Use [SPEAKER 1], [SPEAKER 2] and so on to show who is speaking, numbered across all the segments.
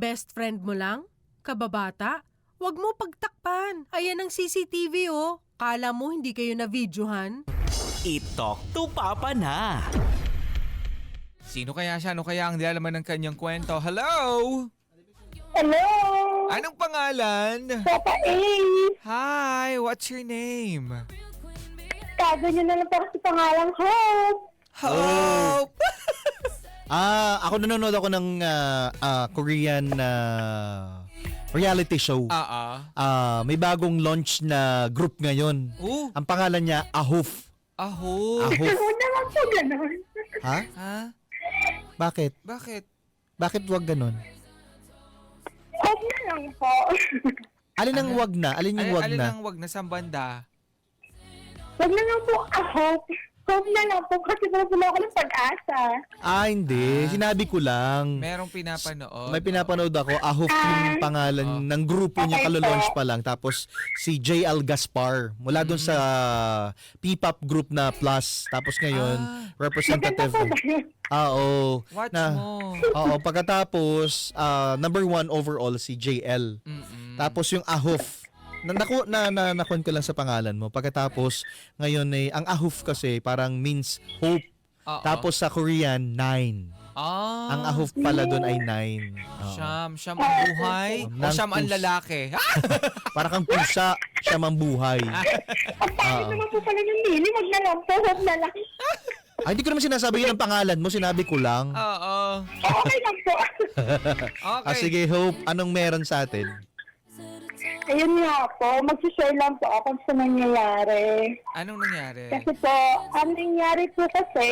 [SPEAKER 1] Best friend mo lang? Kababata? Huwag mo pagtakpan. Ayan ang CCTV oh. Kala mo hindi kayo na-videohan?
[SPEAKER 2] I-talk to Papa na.
[SPEAKER 3] Sino kaya siya? Ano kaya ang dialaman ng kanyang kwento? Hello?
[SPEAKER 4] Hello!
[SPEAKER 3] Anong pangalan?
[SPEAKER 4] Papa A!
[SPEAKER 3] Hi, what's your name?
[SPEAKER 4] Tago niyo na lang para sa pangalang Hope!
[SPEAKER 3] Hope!
[SPEAKER 5] Ako nanonood ako ng Korean reality show. May bagong launch na group ngayon.
[SPEAKER 3] Oh,
[SPEAKER 5] Ang pangalan niya Ahoof.
[SPEAKER 3] Hope.
[SPEAKER 5] Ahoof.
[SPEAKER 4] Huwag naman po ganun.
[SPEAKER 5] Ha?
[SPEAKER 3] Ha?
[SPEAKER 5] Bakit?
[SPEAKER 3] Bakit?
[SPEAKER 5] Bakit wag ganon?
[SPEAKER 4] Huwag na lang po.
[SPEAKER 5] Alin ang wag na? Alin yung wag
[SPEAKER 3] Alin
[SPEAKER 5] na?
[SPEAKER 3] ang wag na sa banda?
[SPEAKER 4] Huwag na lang po Hope. Hope na lang po kasi pupuno ako ng pag-asa.
[SPEAKER 5] Hindi. Sinabi ko lang.
[SPEAKER 3] Merong pinapanood.
[SPEAKER 5] May pinapanood ako. Ahoof yung pangalan ng grupo niya.
[SPEAKER 4] Okay
[SPEAKER 5] Kalolaunch
[SPEAKER 4] po.
[SPEAKER 5] pa lang. Tapos si JL Gaspar. Mula dun sa P-pop group na Plus. Tapos ngayon,
[SPEAKER 4] Maganda
[SPEAKER 5] representative.
[SPEAKER 4] po ba yun?
[SPEAKER 5] Oo.
[SPEAKER 3] Watch
[SPEAKER 5] na,
[SPEAKER 3] mo.
[SPEAKER 5] Oo, pagkatapos number 1 overall si JL. Tapos yung Ahoof. Nakon ko lang sa pangalan mo. Pagkatapos ngayon ang Ahoof kasi parang means hope.
[SPEAKER 3] Oo.
[SPEAKER 5] Tapos sa Korean 9. Ang Ahoof pala doon ay 9.
[SPEAKER 3] Siyam ang buhay? O
[SPEAKER 5] Ng
[SPEAKER 3] siyam ang
[SPEAKER 5] pus-
[SPEAKER 3] lalaki?
[SPEAKER 5] Para kang pusa, siya mambuhay.
[SPEAKER 4] Ang pangit naman po pala ng mili. Huwag na lang po. Hope na lang.
[SPEAKER 5] Ay, hindi ko naman sinasabi yun ang pangalan mo. Sinabi ko lang.
[SPEAKER 3] Oo.
[SPEAKER 4] Okay lang po.
[SPEAKER 3] Okay.
[SPEAKER 5] Sige, Hope. Anong meron sa atin?
[SPEAKER 4] Ayun nga po. Mag-share lang po ako sa nangyayari.
[SPEAKER 3] Anong nangyari?
[SPEAKER 4] Kasi po, ang nangyari po kasi,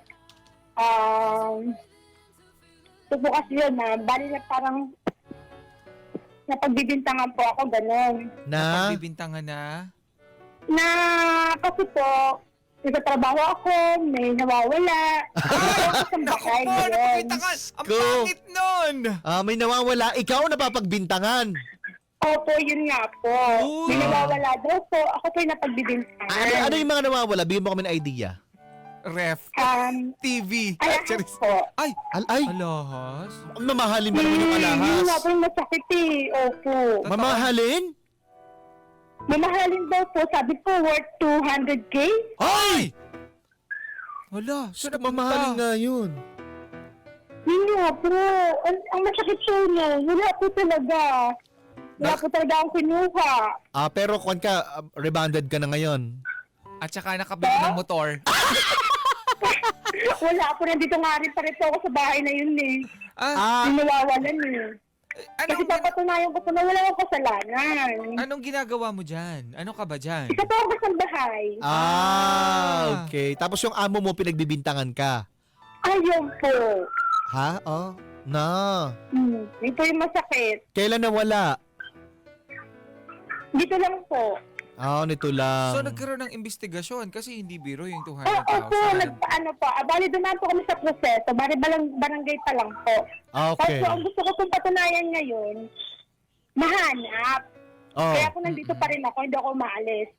[SPEAKER 4] ito po kasi yun bali na parang napagbibintangan po ako, gano'n.
[SPEAKER 5] Na?
[SPEAKER 3] Bibintangan na?
[SPEAKER 4] Na, kasi po, nagtatrabaho ako, may nawawala. Ako sa bahay,
[SPEAKER 3] Naku po,
[SPEAKER 4] gano'n.
[SPEAKER 3] napabintangan! Ang
[SPEAKER 5] Go.
[SPEAKER 3] pangit nun!
[SPEAKER 5] May nawawala. Ikaw napapagbintangan.
[SPEAKER 4] Opo, yun nga po.
[SPEAKER 3] Uy.
[SPEAKER 4] May nawawala daw po. Ako po yung napagbibintangan.
[SPEAKER 5] Ano yung mga nawawala? Bigyan mo kami ng idea.
[SPEAKER 3] Ref. TV.
[SPEAKER 4] Alahas po.
[SPEAKER 3] Ay!
[SPEAKER 5] Ay,
[SPEAKER 3] Alahas?
[SPEAKER 5] mamahalin ba naman yung
[SPEAKER 4] Yun nga
[SPEAKER 5] alahas?
[SPEAKER 4] po yung masakit Opo.
[SPEAKER 5] Mamahalin?
[SPEAKER 4] Mamahalin daw po. Sabi po, worth 200K.
[SPEAKER 5] Ay!
[SPEAKER 3] Wala. Saan
[SPEAKER 5] Mamahalin nga yun.
[SPEAKER 4] Yun nga po. Ang masakit po niya. Wala po talaga. Wala po talaga akong kinuha.
[SPEAKER 5] Pero kung ka, rebanded ka na ngayon.
[SPEAKER 3] At saka nakabili ng motor.
[SPEAKER 4] Wala po. Nandito nga rin pa rin po ako sa bahay na yun Yung nawawalan Kasi papatunayan ko po na wala akong kasalanan.
[SPEAKER 3] Anong ginagawa mo dyan? Ano ka ba dyan?
[SPEAKER 4] Isa po ako sa bahay.
[SPEAKER 5] Okay. Tapos yung amo mo pinagbibintangan ka.
[SPEAKER 4] Ayun po.
[SPEAKER 5] Ha? Na.
[SPEAKER 4] Ito yung masakit.
[SPEAKER 5] Kailan nawala?
[SPEAKER 4] Dito lang po.
[SPEAKER 5] Nito lang.
[SPEAKER 3] So nagkaroon ng investigasyon kasi hindi biro yung
[SPEAKER 4] Oo
[SPEAKER 3] 200,000.
[SPEAKER 4] po, nagpaano po. Bali, dumaan po kami sa proseso. Bali, barangay pa lang po.
[SPEAKER 5] Okay.
[SPEAKER 4] Tapos ang gusto ko pong patunayan ngayon, mahanap. Kaya kung nandito pa rin ako, hindi ako maalis.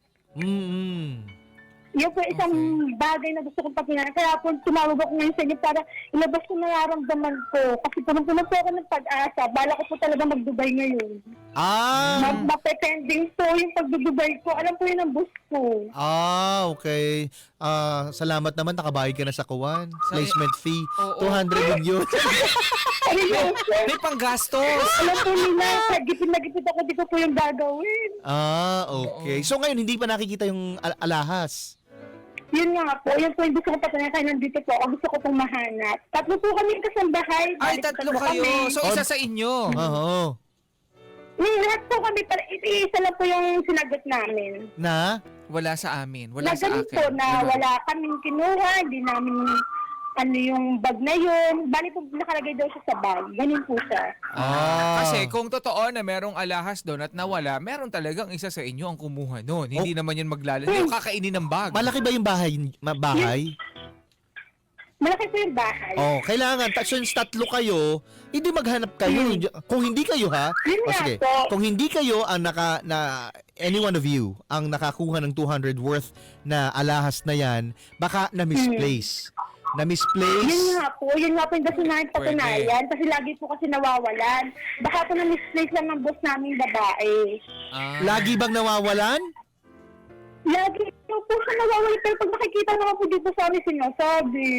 [SPEAKER 4] Yun po isang bagay na gusto kong patunayan. Kaya po tumawag ako ngayon sa inyo para ilabas ko nararamdaman ko. Kasi punong-puno po ako ng pag-asa. Bala ko po talaga mag-Dubai ngayon. Mapetending po yung pag-Dubai ko. Alam po yun ang bus ko.
[SPEAKER 5] Okay. Salamat naman, nakabayad ka na sa kuwan.
[SPEAKER 3] Sa-
[SPEAKER 5] Placement fee,
[SPEAKER 3] Oo.
[SPEAKER 5] 200 din yun.
[SPEAKER 4] Ayun po.
[SPEAKER 3] May panggastos!
[SPEAKER 4] Alam po nila, gipit na gipit ako, di ko po yung gagawin.
[SPEAKER 5] Okay. So ngayon, hindi pa nakikita yung alahas.
[SPEAKER 4] Yun nga po, yun po yung gusto ko patunayan kaya nandito po ako. Gusto ko pong mahanap. Tatlo po kami kasambahay.
[SPEAKER 3] Ay,
[SPEAKER 4] Balik
[SPEAKER 3] tatlo
[SPEAKER 4] tatlo
[SPEAKER 3] kayo.
[SPEAKER 4] kami.
[SPEAKER 3] So isa sa inyo.
[SPEAKER 5] Oo.
[SPEAKER 4] Lahat po kami, isa lang po yung sinagot namin.
[SPEAKER 5] Na?
[SPEAKER 3] Wala sa amin. Wala
[SPEAKER 4] Na
[SPEAKER 3] sa
[SPEAKER 4] ganun
[SPEAKER 3] akin.
[SPEAKER 4] po na wala kaming kinuha, hindi namin yung bag na yun. Bali po nakalagay daw siya sa bag. Ganun po siya.
[SPEAKER 3] Kasi kung totoo na merong alahas doon at nawala, meron talagang isa sa inyo ang kumuha noon. Hindi naman yun maglalaro. Yung kakainin ng bag.
[SPEAKER 5] Malaki ba yung bahay?
[SPEAKER 4] Malaki po yung bahay.
[SPEAKER 5] Kailangan. Since tatlo kayo, hindi maghanap kayo. Kung hindi kayo
[SPEAKER 4] Yun nga
[SPEAKER 5] sige.
[SPEAKER 4] po.
[SPEAKER 5] Kung hindi kayo ang any one of you ang nakakuha ng 200 worth na alahas na yan, baka na-misplace. Na misplace?
[SPEAKER 4] Yun nga po yung gusto namin patunayan. Kasi lagi po kasi nawawalan. Baka po na-misplace lang ng boss naming babae.
[SPEAKER 5] Lagi bang nawawalan?
[SPEAKER 4] Lagi po siya nawawalan. Pero pag nakikita naman po dito sa amin sinasabi.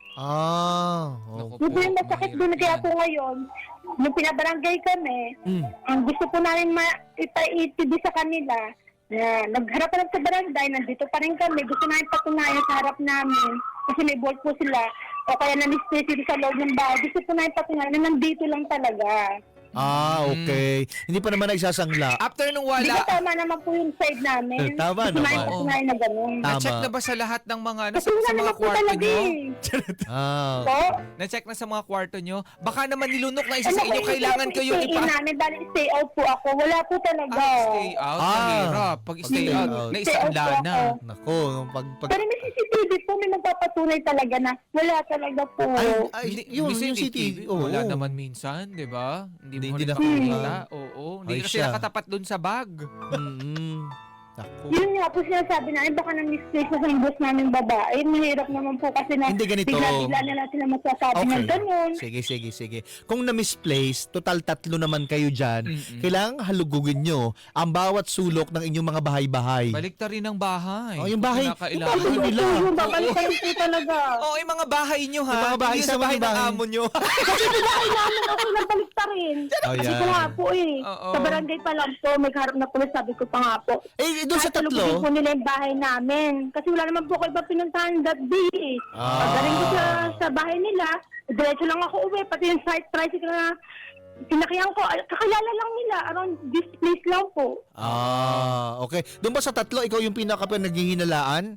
[SPEAKER 3] Naku
[SPEAKER 4] Yun po yung masakit
[SPEAKER 3] mahirap
[SPEAKER 4] doon. Kaya
[SPEAKER 3] yan.
[SPEAKER 4] po ngayon, nung pinabarangay kami, ang gusto po namin ipa-itibig sa kanila, na nagharap pa lang sa barangay, nandito pa rin kami, gusto namin patunayan sa harap namin, kasi may board po sila, o kaya na-misplace dito sa loob ng bahay, gusto po namin patunayan na nandito lang talaga.
[SPEAKER 5] Okay. Hindi pa naman nagsasangla.
[SPEAKER 3] After nung
[SPEAKER 4] Di ba
[SPEAKER 3] wala,
[SPEAKER 4] tama naman po yung side namin?
[SPEAKER 5] Tama
[SPEAKER 4] gusto namin
[SPEAKER 5] naman.
[SPEAKER 4] patunayan na gano'n.
[SPEAKER 5] Tama.
[SPEAKER 3] na-check na ba sa lahat ng mga,
[SPEAKER 4] Kasi
[SPEAKER 3] sa
[SPEAKER 4] wala
[SPEAKER 3] mga
[SPEAKER 4] naman po
[SPEAKER 3] kwarto
[SPEAKER 4] talaga
[SPEAKER 3] nyo?
[SPEAKER 4] eh. Po?
[SPEAKER 3] Na-check na sa mga kwarto nyo? Baka naman nilunok na isa sa inyo, kailangan kayong
[SPEAKER 4] stay in namin, bali stay out po ako. Wala po talaga.
[SPEAKER 3] Stay out, mahirap. Pag stay
[SPEAKER 5] Stay
[SPEAKER 3] out,
[SPEAKER 5] out.
[SPEAKER 3] naisaanla
[SPEAKER 4] Stay out po
[SPEAKER 3] na.
[SPEAKER 4] ako.
[SPEAKER 5] Nako, pag
[SPEAKER 4] Pero may CCTV po, may magpapatunay talaga na wala talaga po.
[SPEAKER 5] yung
[SPEAKER 3] CCTV,
[SPEAKER 5] CCTV. Oo.
[SPEAKER 3] wala naman minsan, di ba? Hindi mo
[SPEAKER 5] Hindi
[SPEAKER 3] rin
[SPEAKER 5] nakikita.
[SPEAKER 3] nakikita. Oo. Hindi
[SPEAKER 5] Ay,
[SPEAKER 3] kasi
[SPEAKER 5] siya.
[SPEAKER 3] nakatapat dun sa bag.
[SPEAKER 5] Nako.
[SPEAKER 4] Yun nga po sinasabi namin, baka na-misplace na sa boss namin babae. Mahirap naman po kasi na
[SPEAKER 5] Hindi ganito.
[SPEAKER 4] bigla-bigla na lang sila magsasabi ng ganun.
[SPEAKER 5] Sige. Kung na-misplace, total 3 naman kayo dyan, kailangan halugugin nyo ang bawat sulok ng inyong mga bahay-bahay.
[SPEAKER 3] Balik ta rin ang bahay.
[SPEAKER 5] Oh, yung bahay.
[SPEAKER 3] Kinakailangan.
[SPEAKER 5] Yung bahay nila.
[SPEAKER 4] Yung babalikan po talaga.
[SPEAKER 3] Oo, yung mga bahay nyo ha.
[SPEAKER 5] Yung mga bahay
[SPEAKER 3] Hindi
[SPEAKER 5] sa
[SPEAKER 3] sa bahay ng
[SPEAKER 5] bahay.
[SPEAKER 3] amo nyo.
[SPEAKER 4] Kasi bahay namin ako nabalik pa rin.
[SPEAKER 5] Oh,
[SPEAKER 4] Kasi
[SPEAKER 5] yan.
[SPEAKER 4] ko nga po eh.
[SPEAKER 3] Oo.
[SPEAKER 4] Sa barangay pa lang po, may harap na pulis, sabi ko pa nga po.
[SPEAKER 5] Doon sa
[SPEAKER 4] Kahit salubungin
[SPEAKER 5] 3,
[SPEAKER 4] po nila yung bahay namin. Kasi wala naman po ko iba pinuntahan that day eh. Pagdating ko sa bahay nila, diretso lang ako uwi. Pati yung site tricycle na pinakiyang ko, kakilala lang nila. Around this place lang po.
[SPEAKER 5] okay. Doon ba sa 3, ikaw yung nagihinalaan?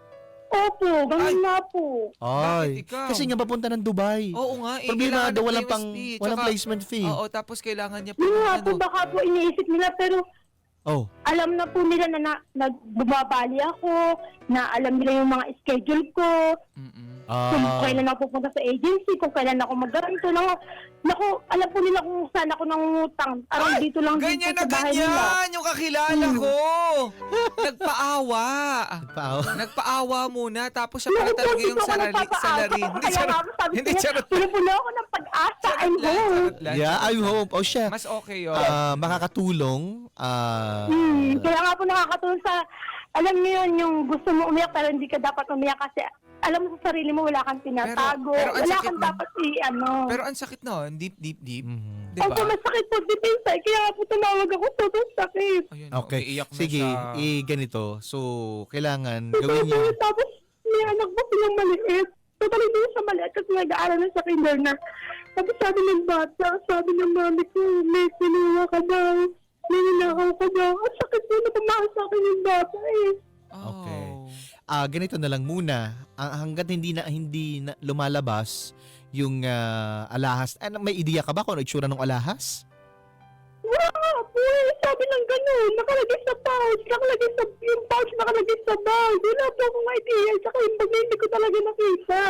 [SPEAKER 4] Opo, ganun nga po.
[SPEAKER 5] Ay,
[SPEAKER 3] Bakit ikaw?
[SPEAKER 5] kasi nga papunta ng Dubai.
[SPEAKER 3] Oo nga.
[SPEAKER 5] Problema
[SPEAKER 3] kailangan
[SPEAKER 5] daw
[SPEAKER 3] ng
[SPEAKER 5] walang
[SPEAKER 3] PMSD.
[SPEAKER 5] placement fee.
[SPEAKER 3] Oo, tapos kailangan niya
[SPEAKER 4] Yun nga po,
[SPEAKER 3] ano.
[SPEAKER 4] baka po iniisip nila pero
[SPEAKER 5] Oh.
[SPEAKER 4] alam na po nila na bumabali ako, na alam nila yung mga schedule ko, kung kailan ako pupunta sa agency, kung kailan ako mag-ganito. Naku, alam po nila kung saan ako nangungutang. Around dito lang
[SPEAKER 3] Ganyan
[SPEAKER 4] dito
[SPEAKER 3] na
[SPEAKER 4] sa bahay nila.
[SPEAKER 3] ganyan! Yung kakilala ko! Nagpaawa! Nagpaawa muna, tapos siya pala talaga yung salarin. Hindi, charot.
[SPEAKER 4] Pinupuno ako ng pag-asa. I'm
[SPEAKER 3] lang,
[SPEAKER 4] home.
[SPEAKER 3] charot lang.
[SPEAKER 5] Yeah, I hope. Oh, siya.
[SPEAKER 3] Mas okay yun.
[SPEAKER 5] Makakatulong.
[SPEAKER 4] Kaya nga po nakakatulong sa, alam niyo yun, yung gusto mo umiyak pero hindi ka dapat umiyak kasi alam mo sa sarili mo wala kang tinatago.
[SPEAKER 3] Pero ang
[SPEAKER 4] Wala
[SPEAKER 3] sakit
[SPEAKER 4] kang
[SPEAKER 3] nun.
[SPEAKER 4] dapat
[SPEAKER 3] Pero ang sakit no, deep.
[SPEAKER 5] Mhm.
[SPEAKER 3] Diba?
[SPEAKER 4] Opo, masakit po deep inside. Kaya nga po tumawag ako, sobrang sakit.
[SPEAKER 3] Ayun,
[SPEAKER 5] Okay.
[SPEAKER 3] iiyak na
[SPEAKER 5] Sige,
[SPEAKER 3] siya.
[SPEAKER 5] ganito. So, kailangan gawin niyo.
[SPEAKER 4] Tapos, may anak ko silang maliit. Totally din sa maliit kasi nag-aaral na sa kinder. Tapos sabi ng bata, sabi ng mami ko, may kinuha ka daw. May ninakaw ka daw. Ang sakit po na tumahal sa akin yung bata eh.
[SPEAKER 5] Okay.
[SPEAKER 3] Oh.
[SPEAKER 5] Ganito na lang muna. Hanggat hindi na lumalabas yung alahas. May ideya ka ba kung ano itsura ng alahas?
[SPEAKER 4] Wala nga po eh. Sabi ng ganun. Nakalagay sa pouch. Nakalagay sa, yung pouch nakalagay sa bag. Wala po akong idea. Tsaka yung bag na hindi ko talaga nakita.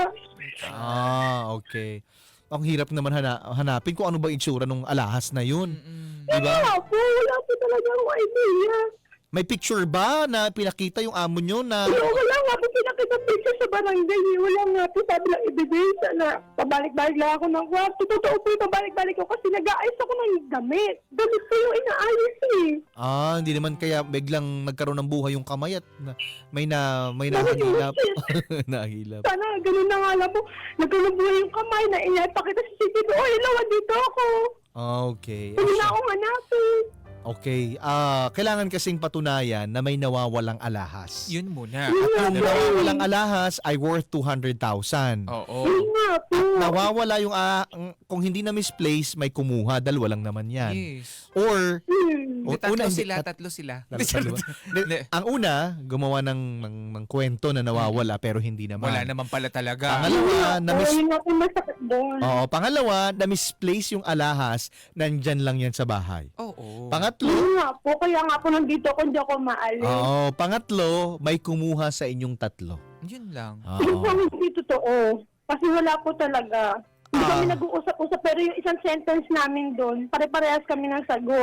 [SPEAKER 5] Okay. Ang hirap naman hanapin kung ano ba itsura ng alahas na yun. Diba?
[SPEAKER 4] Wala po. Wala po talaga akong idea.
[SPEAKER 5] May picture ba na pinakita yung amo nyo na...
[SPEAKER 4] Wala nga po pinakita picture sa barangay. Wala nga po sabi lang ebidensya na pabalik-balik lang ako ng kwarto. Totoo po yung pabalik-balik ko kasi nag-aayos ako ng damit. Damit ko yung inaayos eh.
[SPEAKER 5] Hindi naman kaya biglang nagkaroon ng buhay yung kamay at may nahihilap. Nahihilap.
[SPEAKER 4] Sana ganun na nga lang po. Nagkalubuhay yung kamay na inapakita sa CCTV. Oh, ilawan dito ako.
[SPEAKER 5] Okay.
[SPEAKER 4] Hindi na akong hanapin.
[SPEAKER 5] Okay. Kailangan kasing patunayan na may nawawalang alahas.
[SPEAKER 3] Yun muna.
[SPEAKER 5] At yung nawawalang alahas ay worth 200,000.
[SPEAKER 3] Oo.
[SPEAKER 4] Yun nga po.
[SPEAKER 5] Nawawala yung kung hindi na misplace, may kumuha. Dalawa lang naman yan.
[SPEAKER 3] Yes.
[SPEAKER 5] Or
[SPEAKER 3] Hindi, tatlo
[SPEAKER 5] hindi-
[SPEAKER 3] sila.
[SPEAKER 5] Hindi, ang una, gumawa ng kwento na nawawala pero hindi naman.
[SPEAKER 3] Wala naman pala talaga.
[SPEAKER 5] Pangalawa,
[SPEAKER 4] Yun nga po masakit doon.
[SPEAKER 5] pangalawa, na misplace yung alahas, nandyan lang yan sa bahay.
[SPEAKER 3] Oo.
[SPEAKER 5] Pangatlo,
[SPEAKER 4] Yun nga po. Kaya nga po nandito ako, hindi ako maalis.
[SPEAKER 5] pangatlo, may kumuha sa inyong tatlo.
[SPEAKER 3] Yun lang.
[SPEAKER 4] Yun po hindi totoo. Kasi wala po talaga. Hindi kami nag-uusap-usap pero yung isang sentence namin doon, pare-parehas kami ng sagot.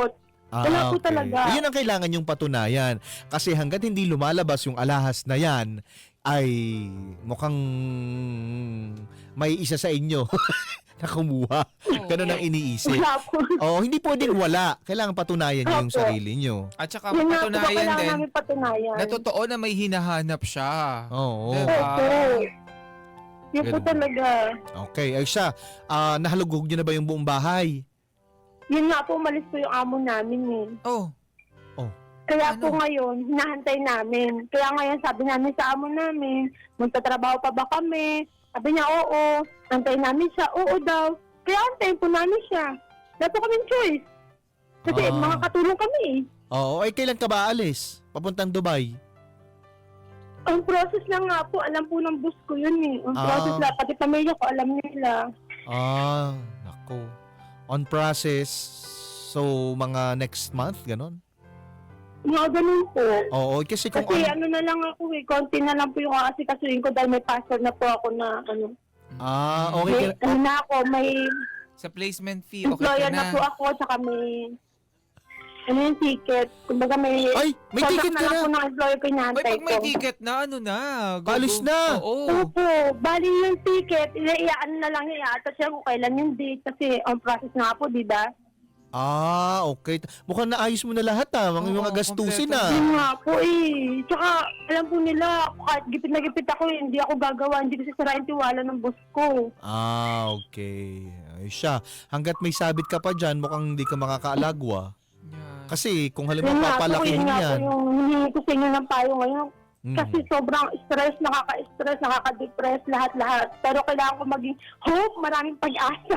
[SPEAKER 4] Wala po talaga.
[SPEAKER 5] Yun ang kailangan yung patunayan. Kasi hanggat hindi lumalabas yung alahas na yan, ay mukhang may isa sa inyo na kumuha. Ganun ang iniisip.
[SPEAKER 4] Wala po.
[SPEAKER 5] Hindi pwedeng wala. Kailangan patunayan niyo yung
[SPEAKER 4] Opo.
[SPEAKER 5] sarili niyo.
[SPEAKER 3] At saka
[SPEAKER 4] Yun nga po,
[SPEAKER 3] patunayan
[SPEAKER 4] kailangan
[SPEAKER 3] din
[SPEAKER 4] namin patunayan.
[SPEAKER 3] na totoo na may hinahanap siya.
[SPEAKER 5] Oo.
[SPEAKER 3] Diba?
[SPEAKER 4] Opo. Yun po
[SPEAKER 5] Ganun.
[SPEAKER 4] talaga.
[SPEAKER 5] Okay. Ay siya, nahalugog niyo na ba yung buong bahay?
[SPEAKER 4] Yun nga po, umalis po yung amo namin eh.
[SPEAKER 3] Oh,
[SPEAKER 4] Kaya
[SPEAKER 3] Ano?
[SPEAKER 4] po ngayon, hinahantay namin. Kaya ngayon, sabi namin sa amo namin, magtatrabaho pa ba kami? Sabi niya, oo. Antayin namin siya, oo daw. Kaya antayin po namin siya. Wala po kaming choice. Kasi
[SPEAKER 5] Ah.
[SPEAKER 4] mga katulong kami eh.
[SPEAKER 5] Oo. Ay, kailan ka ba alis? Papuntang Dubai?
[SPEAKER 4] Ang process lang nga po, alam po ng boss ko yun eh. Ang process lang, pati pamilya ko, alam nila.
[SPEAKER 5] Nako. On process, so mga next month, ganon?
[SPEAKER 4] Mga ganun po.
[SPEAKER 5] Oo, kasi kung
[SPEAKER 4] Kasi ano na lang ako eh, konti na lang po yung aasikasuhin ko dahil may passport na po ako na ano.
[SPEAKER 5] okay.
[SPEAKER 4] May, ano na ako, may
[SPEAKER 3] sa placement fee, okay
[SPEAKER 4] employer
[SPEAKER 3] ka
[SPEAKER 4] na
[SPEAKER 3] na.
[SPEAKER 4] po ako, tsaka may ano yung ticket. Kumbaga may
[SPEAKER 5] Ay, may
[SPEAKER 4] contract
[SPEAKER 5] ticket ka
[SPEAKER 4] lang
[SPEAKER 5] na.
[SPEAKER 4] po ng employer ko
[SPEAKER 3] Ay,
[SPEAKER 4] inaantay
[SPEAKER 3] pag may
[SPEAKER 4] ko.
[SPEAKER 3] ticket na, ano na?
[SPEAKER 5] Paalis na.
[SPEAKER 3] Oo.
[SPEAKER 4] Opo, bali yung ticket, iaan na lang niya, i-attach siya kung kailan yung date kasi on process nga po, di ba?
[SPEAKER 5] Okay. Mukhang naayos mo na lahat mga
[SPEAKER 3] Oo,
[SPEAKER 5] gastusin
[SPEAKER 3] kompleto.
[SPEAKER 4] Yun nga po eh. Tsaka, alam po nila, kahit gipit na gipit ako, hindi ako gagawa, hindi ko sisirain tiwala ng boss ko.
[SPEAKER 5] Okay. Ay siya. Hanggat may sabit ka pa dyan, mukhang hindi ka makakaalagwa.
[SPEAKER 3] Yan.
[SPEAKER 5] Kasi kung
[SPEAKER 4] Yun
[SPEAKER 5] halimbawa
[SPEAKER 4] nga po,
[SPEAKER 5] papalakihin
[SPEAKER 4] yun nga po
[SPEAKER 5] yan.
[SPEAKER 4] yung hinihingi ko sa inyo ng payo ngayon.
[SPEAKER 5] Mm.
[SPEAKER 4] Kasi sobrang stress, nakaka-stress, nakaka-depress, lahat-lahat. Pero kailangan ko maging hope, maraming pag-asa.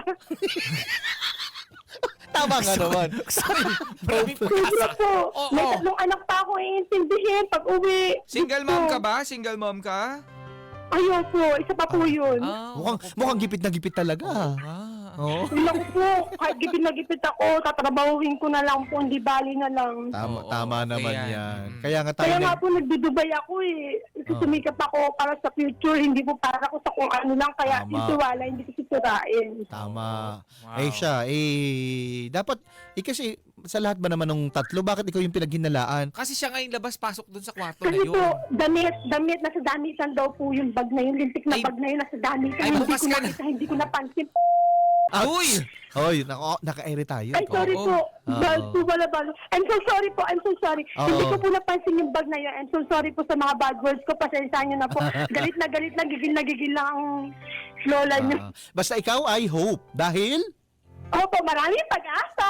[SPEAKER 5] Tama nga naman.
[SPEAKER 3] Maraming
[SPEAKER 4] Sobra
[SPEAKER 3] pag-asa.
[SPEAKER 4] po.
[SPEAKER 3] Oo.
[SPEAKER 4] May tatlong anak pa ako iintindihin pag uwi.
[SPEAKER 3] Single mom ka ba? Single mom ka?
[SPEAKER 4] Ayun po, isa pa po yun.
[SPEAKER 5] Mukhang gipit na gipit talaga. Oo.
[SPEAKER 4] Hindi ako po, kahit gipit na gipit ako, tatrabahuhin ko na lang po, hindi bali na lang.
[SPEAKER 5] Tama
[SPEAKER 3] Oo,
[SPEAKER 5] naman
[SPEAKER 3] okay yan.
[SPEAKER 5] yan.
[SPEAKER 3] Mm.
[SPEAKER 5] Kaya nga tayo
[SPEAKER 4] Kaya nga po nagdudubay ako eh. Kasi sumikap ako para sa future, hindi po para ko sa kung ano lang. Kaya
[SPEAKER 5] Tama.
[SPEAKER 4] yung tiwala, hindi ko sisirain.
[SPEAKER 5] Tama.
[SPEAKER 3] Wow.
[SPEAKER 5] Siya, dapat, kasi sa lahat ba naman ng tatlo, bakit ikaw yung pinaghinalaan?
[SPEAKER 3] Kasi siya ngayon labas-pasok dun sa kwarto
[SPEAKER 4] Kasi
[SPEAKER 3] na yun.
[SPEAKER 4] po, damit, nasa damitan daw po yung bag na yun, lintik na
[SPEAKER 3] Ay.
[SPEAKER 4] bag na yun, nasa damitan.
[SPEAKER 3] Ay,
[SPEAKER 4] Hindi
[SPEAKER 3] bukas
[SPEAKER 4] ko
[SPEAKER 3] ka na.
[SPEAKER 4] nakita, hindi ko napansin.
[SPEAKER 3] Uy!
[SPEAKER 5] Hoy, naka-ere tayo.
[SPEAKER 4] Ay, sorry
[SPEAKER 3] Oo.
[SPEAKER 4] po.
[SPEAKER 5] Oo.
[SPEAKER 4] Bag po, wala bag. I'm so sorry po, I'm so sorry.
[SPEAKER 5] Oo.
[SPEAKER 4] Hindi ko po napansin yung bag na yun. I'm so sorry po sa mga bad words ko. Pasensyahan nyo na po. Galit na, gigil lang ang lola nyo.
[SPEAKER 5] Basta ikaw ay hope. Dahil?
[SPEAKER 4] Opo, maraming pag-asa.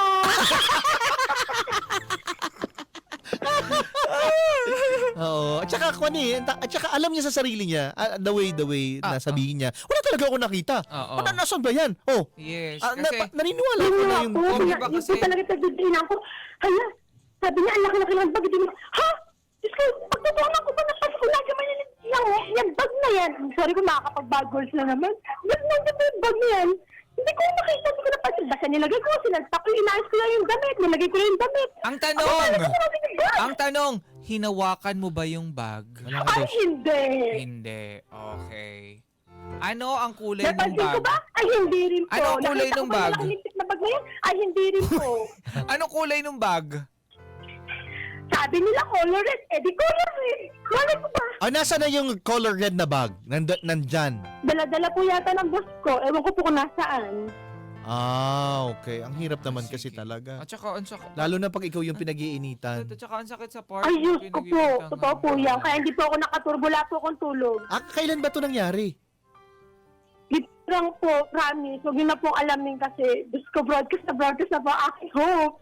[SPEAKER 5] Oo. At saka alam niya sa sarili niya, the way na sabihin niya, wala talaga ako nakita.
[SPEAKER 3] Oo.
[SPEAKER 5] Nasaan ba yan? Oh,
[SPEAKER 3] Yes,
[SPEAKER 5] na,
[SPEAKER 3] kasi...
[SPEAKER 5] naniniwala
[SPEAKER 4] Yun
[SPEAKER 5] ko na
[SPEAKER 4] nga
[SPEAKER 5] yung...
[SPEAKER 4] po,
[SPEAKER 3] Di
[SPEAKER 4] yun
[SPEAKER 3] ba
[SPEAKER 4] po
[SPEAKER 3] kasi-
[SPEAKER 4] talaga tagdidinan ko. Hala, sabi niya, ang laki-laki ng bag. Hindi mo, ha? Diyos ko, pagtutunan ko ba na pas ko lagi man yung bag na yan. I'm sorry kung makakapag-bag words lang naman. Ba't nandiyan ba yung bag na yan? Hindi ko makita, hindi ko napansin. Basta nilagay ko, sinaltak ko, inaayos ko lang yung damit. Nilagay ko lang yung damit.
[SPEAKER 3] Ang
[SPEAKER 4] Ako,
[SPEAKER 3] tanong!
[SPEAKER 4] paano ko sinabi yung bag?
[SPEAKER 3] Ang tanong, hinawakan mo ba yung bag?
[SPEAKER 5] Wala ka
[SPEAKER 4] Ay,
[SPEAKER 5] daw.
[SPEAKER 4] hindi.
[SPEAKER 3] Hindi. Okay. Ano ang kulay ng
[SPEAKER 4] Napansin ko
[SPEAKER 3] bag?
[SPEAKER 4] ba? Ay, hindi rin po.
[SPEAKER 3] Ano ang kulay
[SPEAKER 4] Nakita
[SPEAKER 3] ng
[SPEAKER 4] ko ba
[SPEAKER 3] bag?
[SPEAKER 4] yung lintik na bag na yan? Ay, hindi rin po.
[SPEAKER 3] Anong kulay ng bag?
[SPEAKER 4] Sabi nila color red. Eh, di color red. Malay ko ba?
[SPEAKER 5] Nasa na yung color red na bag? Nandyan.
[SPEAKER 4] Dala-dala po yata ng boss ko. Ewan ko po kung nasaan.
[SPEAKER 5] Okay. Ang hirap naman kasi
[SPEAKER 3] Sige.
[SPEAKER 5] talaga.
[SPEAKER 3] At saka, ang sakit.
[SPEAKER 5] Lalo na pag ikaw yung pinag-iinitan.
[SPEAKER 3] At saka, ang sakit sa part.
[SPEAKER 4] Ay, Diyos ko po. Totoo po yan. Kaya hindi po ako nakaturbo. Wala po akong tulog.
[SPEAKER 5] Kailan ba ito nangyari?
[SPEAKER 4] Dito lang po, promise. Huwag niyo na pong alamin kasi Diyos ko, broadcast na po aking hope.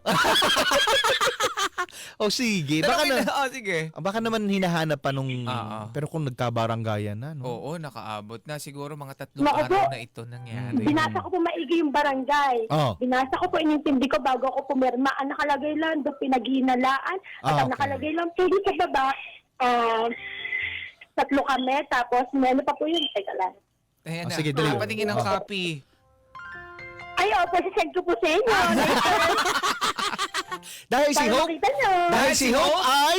[SPEAKER 5] Sige.
[SPEAKER 3] sige.
[SPEAKER 5] Baka naman hinahanap pa nung...
[SPEAKER 3] Oo.
[SPEAKER 5] Pero kung nagkabaranggayan na, no?
[SPEAKER 3] Oo, nakaabot na. Siguro mga 3
[SPEAKER 4] Naku
[SPEAKER 3] araw
[SPEAKER 4] po.
[SPEAKER 3] na ito nangyari.
[SPEAKER 4] Binasa ko po maigi yung barangay.
[SPEAKER 5] Oh.
[SPEAKER 4] Binasa ko po, inintindi ko bago ako pumirma. Ang nakalagay lang doon, pinaghihinalaan. At ang
[SPEAKER 5] Okay.
[SPEAKER 4] nakalagay lang po doon sa baba, 3 kami. Tapos, may ano pa po yun. Teka lang.
[SPEAKER 3] Ayan na.
[SPEAKER 5] Sige, dali.
[SPEAKER 3] Patingin ng copy.
[SPEAKER 4] Ay, opo, sisend ko po sa inyo.
[SPEAKER 5] Dahil si
[SPEAKER 4] Para
[SPEAKER 5] Hope,
[SPEAKER 4] makita nyo.
[SPEAKER 5] dahil si Hope ay...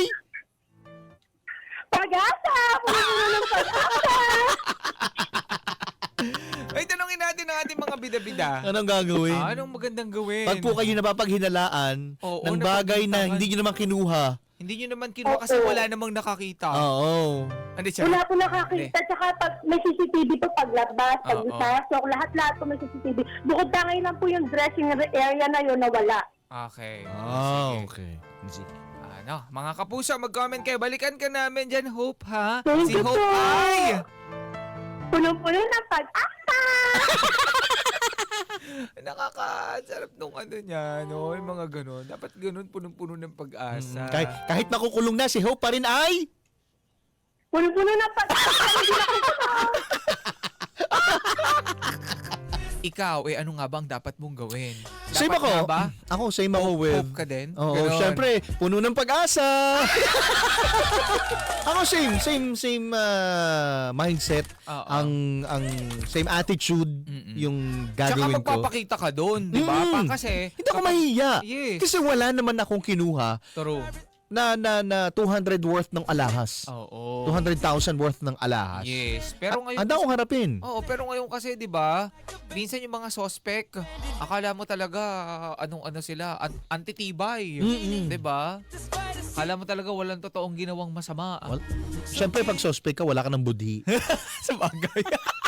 [SPEAKER 4] Pag-asa! Puno ng pag-asa!
[SPEAKER 3] Ay, tanongin natin ang ating ating mga bida-bida.
[SPEAKER 5] Anong gagawin?
[SPEAKER 3] Anong magandang gawin?
[SPEAKER 5] Pag po kayo napapaghinalaan
[SPEAKER 3] Oo,
[SPEAKER 5] ng bagay na
[SPEAKER 3] napagbintangan.
[SPEAKER 5] hindi nyo naman kinuha.
[SPEAKER 3] Hindi nyo naman kinuha kasi wala namang nakakita.
[SPEAKER 5] Oo.
[SPEAKER 3] Hindi siya.
[SPEAKER 4] Wala po nakakita. Tsaka pag may CCTV po paglabas, pag
[SPEAKER 3] Oo.
[SPEAKER 4] isasok, lahat-lahat po may CCTV. Bukod tangay lang po yung dressing area na yun na wala.
[SPEAKER 3] Okay.
[SPEAKER 5] Ah,
[SPEAKER 3] Sige.
[SPEAKER 5] okay. Sige.
[SPEAKER 3] Ano, mga kapuso, mag-comment kayo. Balikan ka namin dyan, Hope, ha?
[SPEAKER 4] Thank
[SPEAKER 3] Si
[SPEAKER 4] you
[SPEAKER 3] Hope
[SPEAKER 4] po.
[SPEAKER 3] ay...
[SPEAKER 4] Puno-puno ng pag-asa!
[SPEAKER 3] Nakakasarap nung ano niya, no? Yung mga ganun. Dapat ganun, punong-puno ng pag-asa.
[SPEAKER 5] Kahit makukulong na, si Hope pa rin ay...
[SPEAKER 4] Puno-puno ng pag-asa! Hindi na ko
[SPEAKER 3] Ikaw, ano nga ba ang dapat mong gawin?
[SPEAKER 5] Same
[SPEAKER 3] Dapat
[SPEAKER 5] ako.
[SPEAKER 3] nga ba?
[SPEAKER 5] Ako, same ako with...
[SPEAKER 3] Hope ka din?
[SPEAKER 5] Oo,
[SPEAKER 3] Ganon.
[SPEAKER 5] syempre, puno ng pag-asa. Ako same mindset,
[SPEAKER 3] Oo.
[SPEAKER 5] ang same attitude
[SPEAKER 3] Mm-mm.
[SPEAKER 5] yung
[SPEAKER 3] Tsaka
[SPEAKER 5] gagawin ko.
[SPEAKER 3] magpapakita ka doon, di ba?
[SPEAKER 5] Mm.
[SPEAKER 3] Kasi...
[SPEAKER 5] Hindi ako mahiya.
[SPEAKER 3] Yes.
[SPEAKER 5] Kasi wala naman akong kinuha
[SPEAKER 3] True.
[SPEAKER 5] na 200 worth ng alahas.
[SPEAKER 3] Oo.
[SPEAKER 5] 200,000 worth ng alahas.
[SPEAKER 3] Yes. Pero ngayon...
[SPEAKER 5] Handa akong harapin.
[SPEAKER 3] Oo, pero ngayon kasi 'di ba, minsan yung mga suspect, akala mo talaga anong-ano sila, antitibay,
[SPEAKER 5] Mm-mm.
[SPEAKER 3] 'di ba? Akala mo talaga walang totoong ginawang masama.
[SPEAKER 5] Siyempre, pag suspect ka, wala ka ng budhi.
[SPEAKER 3] Sa bagay.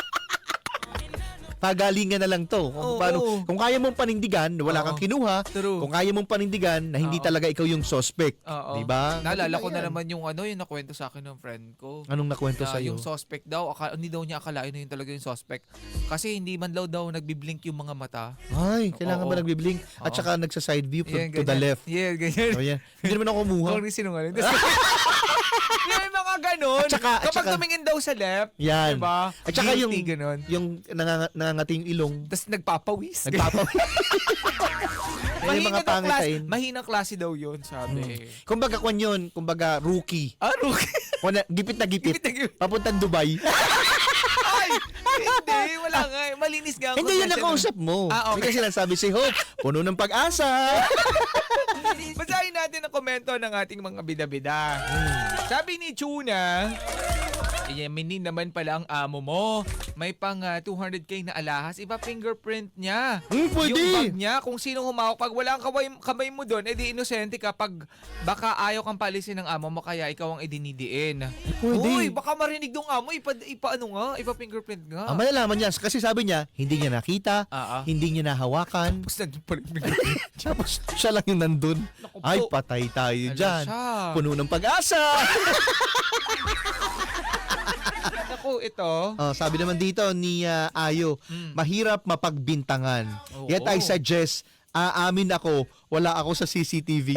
[SPEAKER 5] Pagalingan na lang to.
[SPEAKER 3] Oo.
[SPEAKER 5] Kung kaya mong panindigan na wala
[SPEAKER 3] Oo.
[SPEAKER 5] kang kinuha,
[SPEAKER 3] True.
[SPEAKER 5] kung kaya mong panindigan na hindi
[SPEAKER 3] Oo.
[SPEAKER 5] talaga ikaw yung suspect.
[SPEAKER 3] Oo.
[SPEAKER 5] Di ba?
[SPEAKER 3] Naalala ko na
[SPEAKER 5] Yan.
[SPEAKER 3] naman yung yung nakwento sa akin ng friend ko.
[SPEAKER 5] Anong nakwento
[SPEAKER 3] Na
[SPEAKER 5] sa'yo?
[SPEAKER 3] yung suspect daw, hindi daw niya akalain na yun talaga yung suspect. Kasi hindi man daw nagbiblink yung mga mata.
[SPEAKER 5] Ay, kailangan
[SPEAKER 3] Oo.
[SPEAKER 5] ba nagbiblink? At
[SPEAKER 3] Oo.
[SPEAKER 5] saka nagsa-side view
[SPEAKER 3] Yan,
[SPEAKER 5] to the
[SPEAKER 3] ganyan.
[SPEAKER 5] left.
[SPEAKER 3] Yeah, ganyan.
[SPEAKER 5] Oh, yan. Hindi naman ako kumuha.
[SPEAKER 3] Kung sinungaling. Yung mga ganun.
[SPEAKER 5] At saka-
[SPEAKER 3] Kapag tumingin daw sa left,
[SPEAKER 5] Yan.
[SPEAKER 3] diba?
[SPEAKER 5] At saka
[SPEAKER 3] Guilty, ganun.
[SPEAKER 5] yung nangangati yung ilong.
[SPEAKER 3] Tapos nagpapawis.
[SPEAKER 5] Nagpapawis. Yan yung mga pangitain.
[SPEAKER 3] Mahinang klase daw yun, sabi.
[SPEAKER 5] Kumbaga kwan yun, kumbaga rookie.
[SPEAKER 3] Rookie.
[SPEAKER 5] Gipit na gipit.
[SPEAKER 3] Gipit na gipit.
[SPEAKER 5] Papuntang Dubai.
[SPEAKER 3] Ay, hindi. Wala nga. Malinis nga. ang
[SPEAKER 5] Hindi yan
[SPEAKER 3] confession.
[SPEAKER 5] nakausap mo.
[SPEAKER 3] Okay.
[SPEAKER 5] Hindi kasi sinasabi si Hope, puno ng pag-asa.
[SPEAKER 3] Basahin natin ang komento ng ating mga bida-bida. Sabi ni Chuna, Yemeni naman pala ang amo mo. May pang 200k na alahas. Iba fingerprint niya.
[SPEAKER 5] Pwede.
[SPEAKER 3] Yung bag niya, kung sino humawak. Pag wala ang kamay mo doon, edi inosente ka. Pag baka ayaw kang palisin ng amo mo, kaya ikaw ang idinidiin.
[SPEAKER 5] Pwede.
[SPEAKER 3] Uy, baka marinig ng amo. Ipa fingerprint nga.
[SPEAKER 5] Malalaman niya. Kasi sabi niya, hindi niya nakita, hindi niya nahawakan.
[SPEAKER 3] Tapos nandun pa rin fingerprint.
[SPEAKER 5] Tapos siya lang yung nandun.
[SPEAKER 3] Naku po.
[SPEAKER 5] Ay, patay tayo
[SPEAKER 3] Ala
[SPEAKER 5] dyan.
[SPEAKER 3] siya.
[SPEAKER 5] Puno ng pag-asa.
[SPEAKER 3] Naku, ito.
[SPEAKER 5] Sabi naman dito ni Ayo, mahirap mapagbintangan.
[SPEAKER 3] Oo.
[SPEAKER 5] Yet I suggest, aamin ako, wala ako sa CCTV.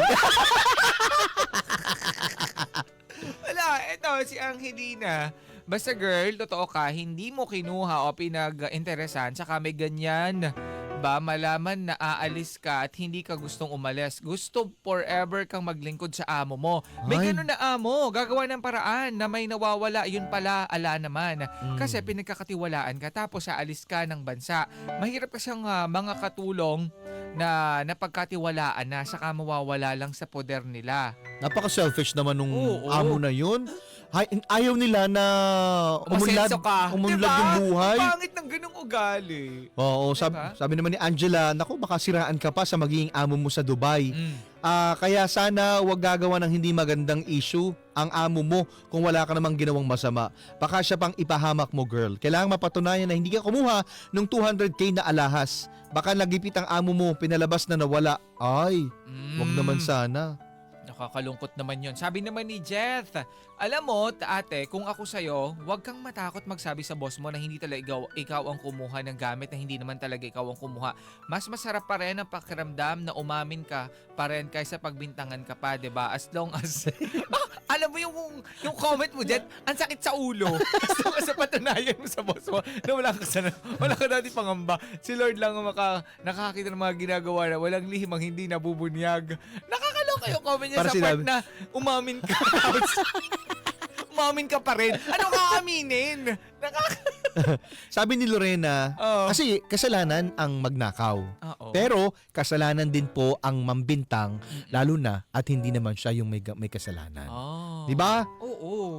[SPEAKER 3] Wala, ito si Angelina. Basta girl, totoo ka, hindi mo kinuha o pinag-interesan, saka may ganyan ba malaman na aalis ka at hindi ka gustong umalis. Gusto forever kang maglingkod sa amo mo. May
[SPEAKER 5] Ay.
[SPEAKER 3] ganun na amo, gagawa ng paraan na may nawawala, yun pala, ala naman. Kasi pinagkakatiwalaan ka tapos aalis ka ng bansa. Mahirap kasing mga katulong na napagkatiwalaan na saka mawawala lang sa poder nila.
[SPEAKER 5] Napaka-selfish naman nung
[SPEAKER 3] Oo.
[SPEAKER 5] amo na yun. Ayaw nila na umunlad,
[SPEAKER 3] Umasenso ka.
[SPEAKER 5] umunlad
[SPEAKER 3] Diba?
[SPEAKER 5] yung buhay.
[SPEAKER 3] Ang pangit ng ganung ugali.
[SPEAKER 5] Oo,
[SPEAKER 3] Diba?
[SPEAKER 5] sabi naman ni Angela, naku, baka siraan ka pa sa magiging amo mo sa Dubai.
[SPEAKER 3] Mm.
[SPEAKER 5] Kaya sana wag gagawa ng hindi magandang issue ang amo mo kung wala ka namang ginawang masama. Baka siya pang ipahamak mo, girl. Kailangan mapatunayan na hindi ka kumuha ng 200k na alahas. Baka nagipit ang amo mo, pinalabas na nawala. Ay, wag naman sana.
[SPEAKER 3] Nakakalungkot naman yon. Sabi naman ni Jeth, alam mo, ate, kung ako sa'yo, huwag kang matakot magsabi sa boss mo na hindi talaga ikaw ang kumuha ng gamit, na hindi naman talaga ikaw ang kumuha. Mas masarap pa rin ang pakiramdam na umamin ka pa rin kaysa pagbintangan ka pa, 'di ba? As long as... alam mo yung comment mo, Jet, ang sakit sa ulo. As long as patunayan mo sa boss mo na wala ka dati pangamba. Si Lord lang ang nakakita ng mga ginagawa na walang lihimang hindi nabubunyag. Nakakaloka yung comment niya
[SPEAKER 5] Para
[SPEAKER 3] sa part
[SPEAKER 5] sinabi-
[SPEAKER 3] na umamin ka. Umamin ka pa rin. Ano ka aminin?
[SPEAKER 5] Sabi ni Lorena,
[SPEAKER 3] Oo.
[SPEAKER 5] kasi kasalanan ang magnakaw.
[SPEAKER 3] Oo.
[SPEAKER 5] Pero kasalanan din po ang mambintang, lalo na at hindi naman siya yung may kasalanan.
[SPEAKER 3] Oh.
[SPEAKER 5] Di ba?
[SPEAKER 3] Oo.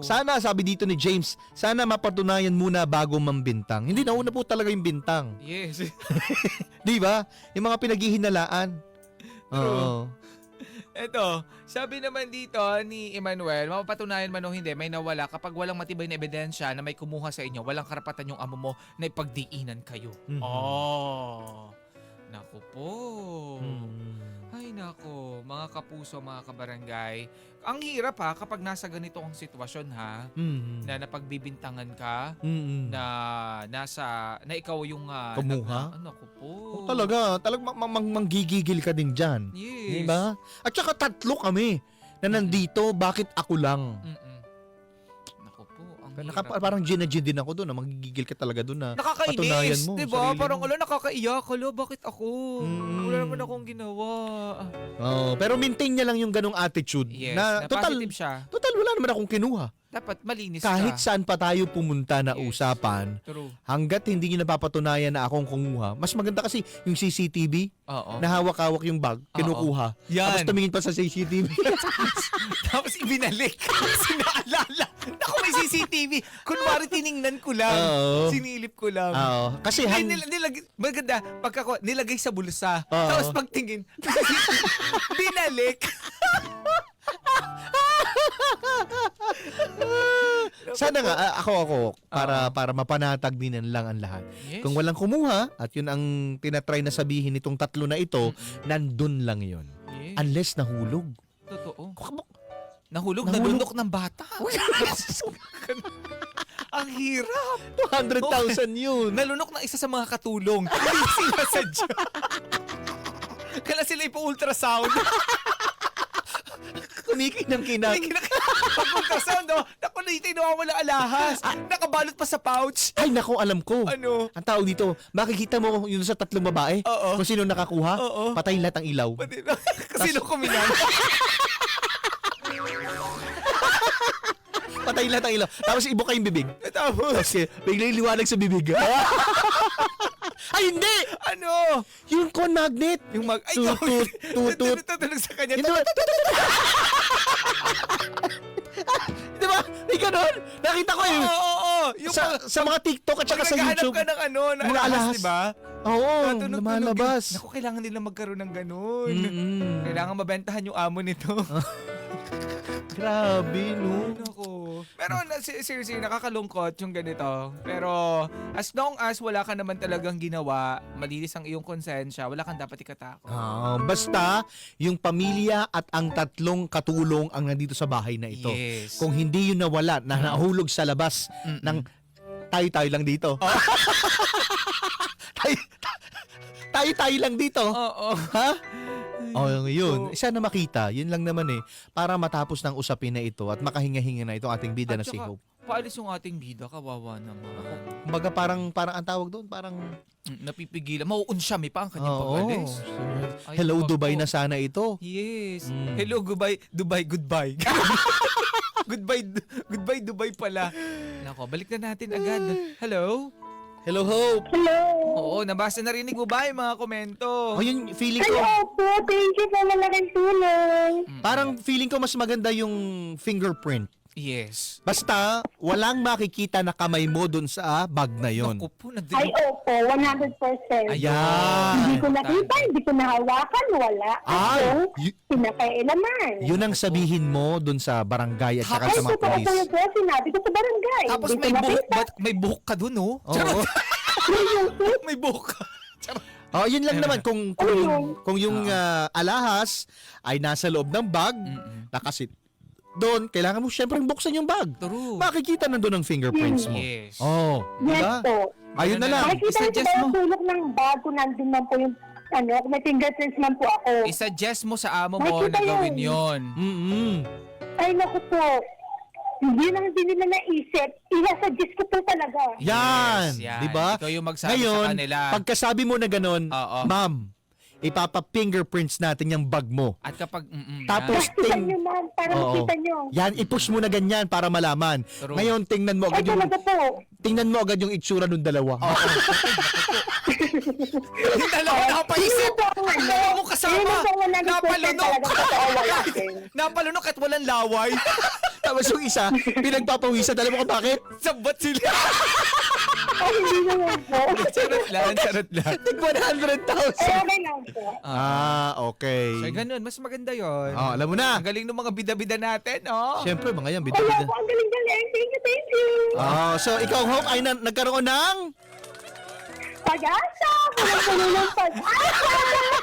[SPEAKER 5] Sana, sabi dito ni James, sana mapatunayan muna bago mambintang. Hindi, nauna po talaga yung bintang.
[SPEAKER 3] Yes.
[SPEAKER 5] Di ba? Yung mga pinaghihinalaan. Oo.
[SPEAKER 3] Eto, sabi naman dito ni Emmanuel, mapapatunayan man o hindi, may nawala kapag walang matibay na ebidensya na may kumuha sa inyo, walang karapatan yung amo mo na ipagdiinan kayo.
[SPEAKER 5] Mhm.
[SPEAKER 3] Oh. Naku po.
[SPEAKER 5] Hmm.
[SPEAKER 3] Ay nako, mga kapuso, mga kabarangay. Ang hirap ha kapag nasa ganito ang sitwasyon ha,
[SPEAKER 5] Mhm.
[SPEAKER 3] na napagbibintangan ka,
[SPEAKER 5] Mhm.
[SPEAKER 3] na ikaw yung
[SPEAKER 5] Kumuha?
[SPEAKER 3] naku po.
[SPEAKER 5] Talaga manggigigil ka din dyan.
[SPEAKER 3] Yes.
[SPEAKER 5] Diba? At saka tatlo kami na nandito, bakit ako lang?
[SPEAKER 3] Mm-mm. Naku po, ang hirap.
[SPEAKER 5] Parang ginagin din ako doon, na manggigigil ka talaga doon na
[SPEAKER 3] Nakakainis,
[SPEAKER 5] patunayan mo,
[SPEAKER 3] di ba?
[SPEAKER 5] sarili
[SPEAKER 3] Parang
[SPEAKER 5] mo.
[SPEAKER 3] nakakaiyak. Bakit ako?
[SPEAKER 5] Mm.
[SPEAKER 3] Wala naman akong ginawa.
[SPEAKER 5] Oh, pero maintain niya lang yung ganong attitude
[SPEAKER 3] Yes,
[SPEAKER 5] na total
[SPEAKER 3] positive siya.
[SPEAKER 5] wala naman akong kinuha.
[SPEAKER 3] Dapat malinis
[SPEAKER 5] Kahit
[SPEAKER 3] ka.
[SPEAKER 5] saan pa tayo pumunta na
[SPEAKER 3] Yes.
[SPEAKER 5] usapan,
[SPEAKER 3] True.
[SPEAKER 5] hanggat hindi niyo napapatunayan na akong kumuha, mas maganda kasi yung CCTV,
[SPEAKER 3] Oo.
[SPEAKER 5] na hawak-hawak yung bag, kinukuha.
[SPEAKER 3] Yan.
[SPEAKER 5] Tapos tumingin pa sa CCTV.
[SPEAKER 3] Tapos ibinalik. Sinaalala. Naku, may CCTV. Kunwari tiningnan ko lang.
[SPEAKER 5] Oo.
[SPEAKER 3] Sinilip ko lang.
[SPEAKER 5] Oo. Kasi
[SPEAKER 3] Maganda, nilagay sa bulsa.
[SPEAKER 5] Oo.
[SPEAKER 3] Tapos pagtingin, binalik.
[SPEAKER 5] sana nga ako para mapanatag din lang ang lahat.
[SPEAKER 3] Yes.
[SPEAKER 5] Kung walang kumuha at yun ang tinatry na sabihin nitong tatlo na ito, nandun lang yun.
[SPEAKER 3] Yes.
[SPEAKER 5] Unless nahulog.
[SPEAKER 3] Totoo.
[SPEAKER 5] Nahulog.
[SPEAKER 3] Nahulog, nalunok ng bata. Ang hirap.
[SPEAKER 5] 200,000 yun.
[SPEAKER 3] Nalunok ng isa sa mga katulong. Hindi sinasadya. Kala sila ipa-ultrasound.
[SPEAKER 5] Kunikinang-kinang.
[SPEAKER 3] Pag-ultrasound, naku, nawawala alahas. Nakabalot pa sa pouch.
[SPEAKER 5] Ay, nako, alam ko.
[SPEAKER 3] Ano?
[SPEAKER 5] Ang tao dito, makikita mo yun sa tatlong babae,
[SPEAKER 3] Oo.
[SPEAKER 5] kung sino nakakuha,
[SPEAKER 3] Oo.
[SPEAKER 5] patay lahat ang ilaw.
[SPEAKER 3] Pati na. Kasi nung kuminan.
[SPEAKER 5] Patay lahat ang ilaw. Tapos ibuka yung bibig.
[SPEAKER 3] Tapos,
[SPEAKER 5] Kasi biglang liwanag sa bibig. Ay, hindi!
[SPEAKER 3] ano?
[SPEAKER 5] Yung con magnet.
[SPEAKER 3] Yung ay,
[SPEAKER 5] Tutut, tutut.
[SPEAKER 3] Tutulog sa kanya.
[SPEAKER 5] Hindi ba? Di ba? May ganun. Nakita ko yun.
[SPEAKER 3] Oo. Yung
[SPEAKER 5] Sa mga TikTok at saka sa YouTube.
[SPEAKER 3] ka ng na
[SPEAKER 5] Mga
[SPEAKER 3] alahas,
[SPEAKER 5] alahas.
[SPEAKER 3] di ba?
[SPEAKER 5] Oo,
[SPEAKER 3] Tunog-tunog
[SPEAKER 5] lumalabas.
[SPEAKER 3] yun. Naku, kailangan nila magkaroon ng ganun.
[SPEAKER 5] Mm-mm.
[SPEAKER 3] Kailangan mabentahan yung amo nito.
[SPEAKER 5] Grabe, no?
[SPEAKER 3] Naku. Pero seriously, nakakalungkot yung ganito. Pero as long as wala ka naman talagang ginawa, malinis ang iyong konsensya, wala kang dapat ikatakot.
[SPEAKER 5] Basta, yung pamilya at ang tatlong katulong ang nandito sa bahay na ito.
[SPEAKER 3] Yes.
[SPEAKER 5] Kung hindi yun nawala, na nahulog sa labas ng tayo-tayo lang dito. Tayo-tayo lang dito.
[SPEAKER 3] Oo.
[SPEAKER 5] Ha? Oh, yun. Sana makita. Yun lang naman para matapos ng usapin na ito at makahinga-hinga na itong ating bida na si Hope.
[SPEAKER 3] Paalis yung ating bida, kawawa naman.
[SPEAKER 5] Kumbaga parang ang tawag doon, parang
[SPEAKER 3] Napipigilan. Mauunsyami pa ang kanyang
[SPEAKER 5] oo.
[SPEAKER 3] pag-alis. Ay,
[SPEAKER 5] Hello
[SPEAKER 3] wag
[SPEAKER 5] Dubai
[SPEAKER 3] po.
[SPEAKER 5] na sana ito.
[SPEAKER 3] Yes.
[SPEAKER 5] Mm.
[SPEAKER 3] Hello, Dubai, goodbye. Goodbye, Dubai pala. Nako, balik na natin agad. Hello?
[SPEAKER 5] Hello Hope.
[SPEAKER 4] Hello.
[SPEAKER 3] Oo, nabasa, narinig mo ba yung mga komento?
[SPEAKER 5] Oh, yun feeling ko.
[SPEAKER 4] Hello po. Thank you po malaking tulong.
[SPEAKER 5] Parang feeling ko mas maganda yung fingerprint.
[SPEAKER 3] Yes.
[SPEAKER 5] Basta walang makikita na kamay mo doon sa bag na yon.
[SPEAKER 3] Naku po,
[SPEAKER 4] Ay, opo. 100%.
[SPEAKER 5] Ayan.
[SPEAKER 4] Hindi ko nakita, hindi ko nahawakan, wala.
[SPEAKER 5] Ay,
[SPEAKER 4] Akong pinakailaman.
[SPEAKER 5] Yun ang sabihin mo doon sa barangay at saka
[SPEAKER 4] Ay,
[SPEAKER 5] sa mga
[SPEAKER 4] totoo
[SPEAKER 5] polis.
[SPEAKER 4] po yung po, sinabi ko sa barangay.
[SPEAKER 3] Tapos
[SPEAKER 4] Hindi
[SPEAKER 3] may
[SPEAKER 4] ko
[SPEAKER 3] buhok,
[SPEAKER 4] nakita.
[SPEAKER 3] may buhok ka dun, oh.
[SPEAKER 5] Oo.
[SPEAKER 3] May buhok ka.
[SPEAKER 5] Oh, yun lang naman kung yung alahas ay nasa loob ng bag, nakasit doon, kailangan mo syempre buksan yung bag.
[SPEAKER 3] True.
[SPEAKER 5] Makikita nandun ang fingerprints mo.
[SPEAKER 3] Yes.
[SPEAKER 5] Oh,
[SPEAKER 4] Yes
[SPEAKER 5] diba?
[SPEAKER 4] po.
[SPEAKER 5] Ayun na lang.
[SPEAKER 4] Makikita niyo
[SPEAKER 3] I-suggest
[SPEAKER 4] ba
[SPEAKER 3] mo.
[SPEAKER 4] yung sulok ng bag kung nandun man po yung may fingerprints man po ako.
[SPEAKER 3] I-suggest mo sa amo mo
[SPEAKER 4] Makikita
[SPEAKER 3] na gawin
[SPEAKER 4] yun.
[SPEAKER 3] yon.
[SPEAKER 4] Ay, naku po. Hindi lang din nila naisip. Ina-suggest ko po talaga.
[SPEAKER 5] Yan,
[SPEAKER 3] Yes, yan.
[SPEAKER 5] di ba?
[SPEAKER 3] Ikaw yung magsabi
[SPEAKER 5] Ngayon,
[SPEAKER 3] sa kanila.
[SPEAKER 5] pagkasabi mo na ganun,
[SPEAKER 3] Oo.
[SPEAKER 5] ma'am, ipapa-fingerprints natin yung bag mo.
[SPEAKER 3] At kapag,
[SPEAKER 5] Tapos,
[SPEAKER 4] Tingnan nyo ma'am, para
[SPEAKER 5] Oo.
[SPEAKER 4] makita nyo.
[SPEAKER 5] Yan, i-push mo na ganyan para malaman.
[SPEAKER 3] True.
[SPEAKER 5] Ngayon, tingnan mo
[SPEAKER 4] Ay,
[SPEAKER 5] agad yung
[SPEAKER 4] talaga po.
[SPEAKER 5] itsura ng dalawa.
[SPEAKER 3] yung dalawa nakapaisip. Ang dalawa mo kasama. Napalunok. Napalunok at walang laway.
[SPEAKER 5] Tapos yung isa, pinagpapawisan. Alam mo kung bakit?
[SPEAKER 3] Sabot sila.
[SPEAKER 4] Ay, hindi naman po.
[SPEAKER 3] Charot lang.
[SPEAKER 5] Tig 100,000.
[SPEAKER 4] Okay lang po.
[SPEAKER 5] Okay.
[SPEAKER 3] So, ganun. Mas maganda yon.
[SPEAKER 5] Alam mo na.
[SPEAKER 3] Ang galing ng mga bida-bida natin, oh.
[SPEAKER 5] Siyempre, mga yan,
[SPEAKER 4] Kaya
[SPEAKER 5] bida-bida.
[SPEAKER 4] po, ang galing-galing. Thank you.
[SPEAKER 5] So ikaw, Hope, ay nagkaroon ng...
[SPEAKER 4] Pag-asa! Puno ng pag-asa!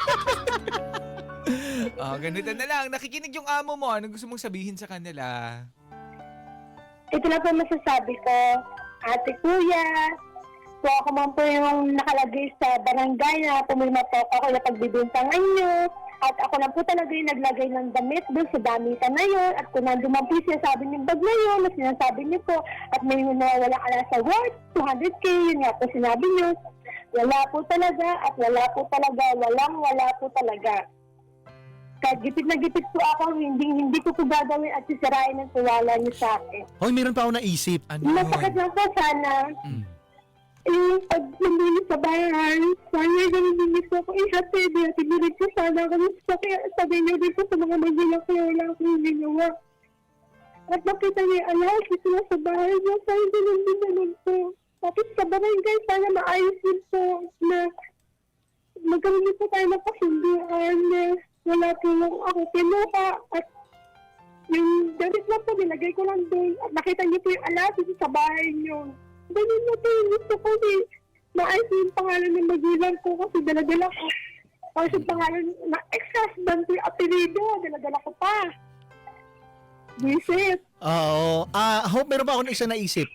[SPEAKER 3] Ganito na lang. Nakikinig yung amo mo. Anong gusto mong sabihin sa kanila?
[SPEAKER 4] Ito na po masasabi ko, ate kuya, so ako man po yung nakalagay sa barangay na pumirma po ako na pagbibintangan nyo. At ako lang po talaga yung naglagay ng damit doon sa damitan na yun. At kung nandun man po yung sinasabi niyong bag na yun, na sinasabi niyo po, at may nawawalang ala sa worth, 200K, yun nga po sinabi niyo. Wala po talaga, at wala po talaga, wala po talaga. Kahit gipit na gipit po ako, hindi ko po gagawin at sisirain ang tiwala niyo sa akin.
[SPEAKER 5] Hoy, meron pa ako naisip.
[SPEAKER 3] Ano yun?
[SPEAKER 4] Masakit lang po sana. Pag nandun sa bayan, sana ganun ko ako ihatid. Ihatid mo rin po sana ako. Kaya sabi niyo rin po sa mga magulang ko, wala akong ginawa. At nakita niya, dito na sa bahay niya, sana ganun din naman po. Tapos sa barangay, sana maayos din po na magkaroon po tayo ng kasunduan na wala po ako kinuha at yung damit lang po, nilagay ko lang doon at nakita niyo po yung alas dito sa bahay niyo. Ganun na po yung gusto ko maayos yung pangalan ng magulang ko kasi daladala ko. Tapos yung pangalan na ex-husband ko yung apelido, daladala ko pa. Visit.
[SPEAKER 5] Oo. Hope, meron pa ako isang naisip.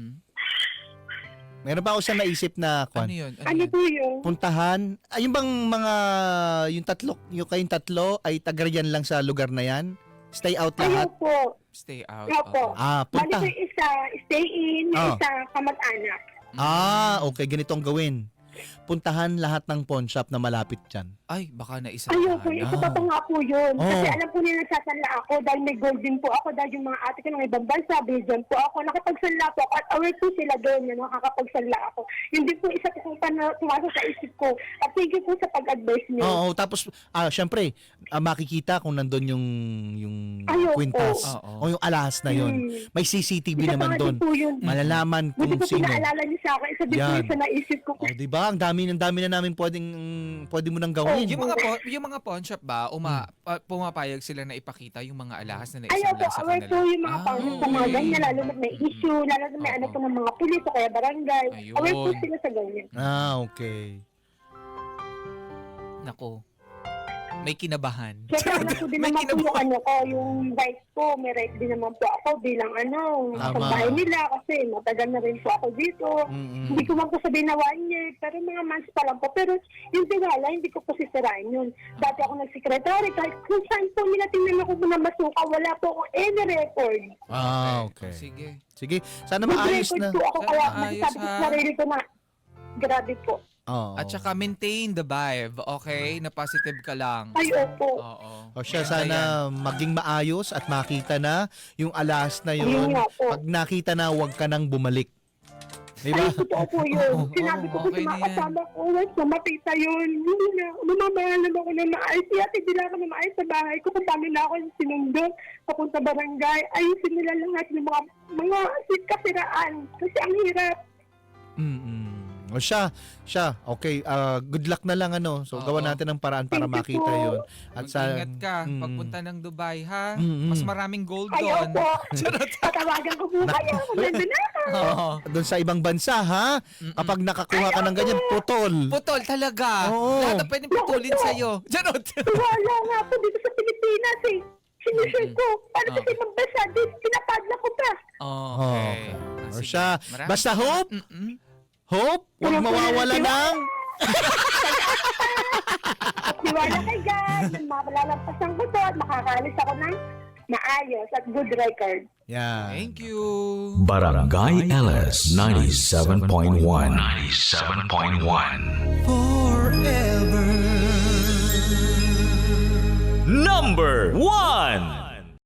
[SPEAKER 5] Meron pa ako isang naisip na
[SPEAKER 3] Ano yun?
[SPEAKER 4] Ano po yun?
[SPEAKER 5] puntahan. Yung bang mga, yung kayong tatlo ay tagarian lang sa lugar na yan? Stay out
[SPEAKER 4] Ayaw
[SPEAKER 5] lahat?
[SPEAKER 4] po.
[SPEAKER 3] Stay out.
[SPEAKER 4] Ayaw po. Bali
[SPEAKER 5] Punta.
[SPEAKER 4] po yung isa, stay in, yung isa, kamag-anak.
[SPEAKER 5] Okay. Ganito ang gawin. Puntahan lahat ng pawn shop na malapit dyan.
[SPEAKER 3] Ay, baka naisa.
[SPEAKER 4] Ayaw po, isa pa po nga po yun. Kasi
[SPEAKER 5] Oo.
[SPEAKER 4] alam po nila nagsasanla ako dahil may gold din po ako dahil yung mga ate ko ng ibang bansa, Belgium po ako, nakapagsanla po ako at aware po sila doon na nakakapagsanla ako. Hindi po isa po na tumasok sa isip ko. At thank you po sa pag-advise niyo.
[SPEAKER 5] Oo, tapos syempre, makikita kung nandun yung
[SPEAKER 4] Ayoko.
[SPEAKER 5] kwintas
[SPEAKER 3] Oo.
[SPEAKER 5] o yung alahas na yun. May CCTV
[SPEAKER 4] Isa pa
[SPEAKER 5] naman
[SPEAKER 4] nga
[SPEAKER 5] doon.
[SPEAKER 4] din po yun.
[SPEAKER 5] Malalaman
[SPEAKER 4] Buti
[SPEAKER 5] kung
[SPEAKER 4] po
[SPEAKER 5] sino.
[SPEAKER 4] pinaalala niyo sa akin. Isa din po
[SPEAKER 5] Yan.
[SPEAKER 4] yung sa naisip ko.
[SPEAKER 5] Oh, 'di ba? Ang dami na namin pwede mo nang gawin.
[SPEAKER 3] Yung mga pawn shop ba, pumapayag sila na ipakita yung mga alahas na
[SPEAKER 4] Ayaw
[SPEAKER 3] naisan
[SPEAKER 4] po,
[SPEAKER 3] lang sa
[SPEAKER 4] aware
[SPEAKER 3] kanila?
[SPEAKER 4] po yung mga pangit sa mga ganyan, lalo na may issue, lalo na may ano po ng mga pulis o kaya barangay.
[SPEAKER 3] Ayun.
[SPEAKER 4] Aware po sila sa ganyan.
[SPEAKER 5] Okay.
[SPEAKER 3] Nako. May kinabahan.
[SPEAKER 4] Siyempre, ano po din
[SPEAKER 3] May
[SPEAKER 4] naman po yung
[SPEAKER 3] kinabahan.
[SPEAKER 4] ano ko, yung right ko, may right din naman po ako bilang
[SPEAKER 5] Tama.
[SPEAKER 4] sa bahay nila kasi matagal na rin po ako dito. Hindi ko man po sabihin na 1 year, pero mga months pa lang po. Pero yung tiwala, hindi ko po sisirain yun. Dati ako nag-secretary, kahit kung saan po nila tingnan ako na masuka, wala po akong any record.
[SPEAKER 5] Okay.
[SPEAKER 3] Sige.
[SPEAKER 5] Sige, sana maayos
[SPEAKER 4] Mag-record
[SPEAKER 5] na.
[SPEAKER 4] po ako,
[SPEAKER 3] Sana
[SPEAKER 4] kaya
[SPEAKER 3] maayos,
[SPEAKER 4] masasabi ko
[SPEAKER 3] ha?
[SPEAKER 4] sa sarili ko na grabe po.
[SPEAKER 5] Oo.
[SPEAKER 3] At saka maintain the vibe, okay? Na positive ka lang.
[SPEAKER 4] Ay, opo.
[SPEAKER 3] Oo.
[SPEAKER 5] O siya,
[SPEAKER 3] Ganda yan.
[SPEAKER 5] sana maging maayos at makita na yung alas na
[SPEAKER 4] Ayun
[SPEAKER 5] yun.
[SPEAKER 4] nga po.
[SPEAKER 5] Pag nakita na, huwag ka nang bumalik. Diba?
[SPEAKER 4] Ay, totoo po yun. Sinabi ko po
[SPEAKER 3] okay
[SPEAKER 4] sa
[SPEAKER 3] na
[SPEAKER 4] mga
[SPEAKER 3] yan.
[SPEAKER 4] kasama ko, once na makita yun, hindi na, lumamahalan ako na maayos. Kaya tigil ako na maayos sa bahay ko kung paano na ako sinundo papunta barangay. Ayusin nila lahat yung mga kasiraan. Kasi ang hirap.
[SPEAKER 5] O siya, okay, good luck na lang ano. So,
[SPEAKER 3] Oo.
[SPEAKER 5] gawa natin ng paraan para
[SPEAKER 4] Thank you
[SPEAKER 5] makita
[SPEAKER 4] po.
[SPEAKER 5] yun. At
[SPEAKER 3] Mag-ingat ka pagpunta ng Dubai, ha? Mas maraming gold
[SPEAKER 4] Ayaw
[SPEAKER 3] doon.
[SPEAKER 4] po. Patawagan ko po kayo. Nandun na ako.
[SPEAKER 3] Oo.
[SPEAKER 5] doon sa ibang bansa, ha? Kapag nakakuha ka ng ganyan, putol.
[SPEAKER 3] Putol talaga.
[SPEAKER 5] Oo.
[SPEAKER 3] Lahat ang pwedeng putulin sa'yo. Janot.
[SPEAKER 4] Wala nga po dito sa Pilipinas eh. Sinusure ko. Para sa
[SPEAKER 3] Okay.
[SPEAKER 4] ibang bansa, pinapadla ko pa.
[SPEAKER 3] Okay.
[SPEAKER 5] O
[SPEAKER 3] Sige.
[SPEAKER 5] siya,
[SPEAKER 3] Maraming
[SPEAKER 5] basta Hope,
[SPEAKER 3] Mm-mm.
[SPEAKER 5] Hope, huwag mawawala ng...
[SPEAKER 4] At tiwala kay God, na malalampasan ko to at makakaalis ako ng maayos at good record.
[SPEAKER 5] Yan.
[SPEAKER 3] Thank you.
[SPEAKER 6] Barangay LS 97.1 97.1
[SPEAKER 2] Number 1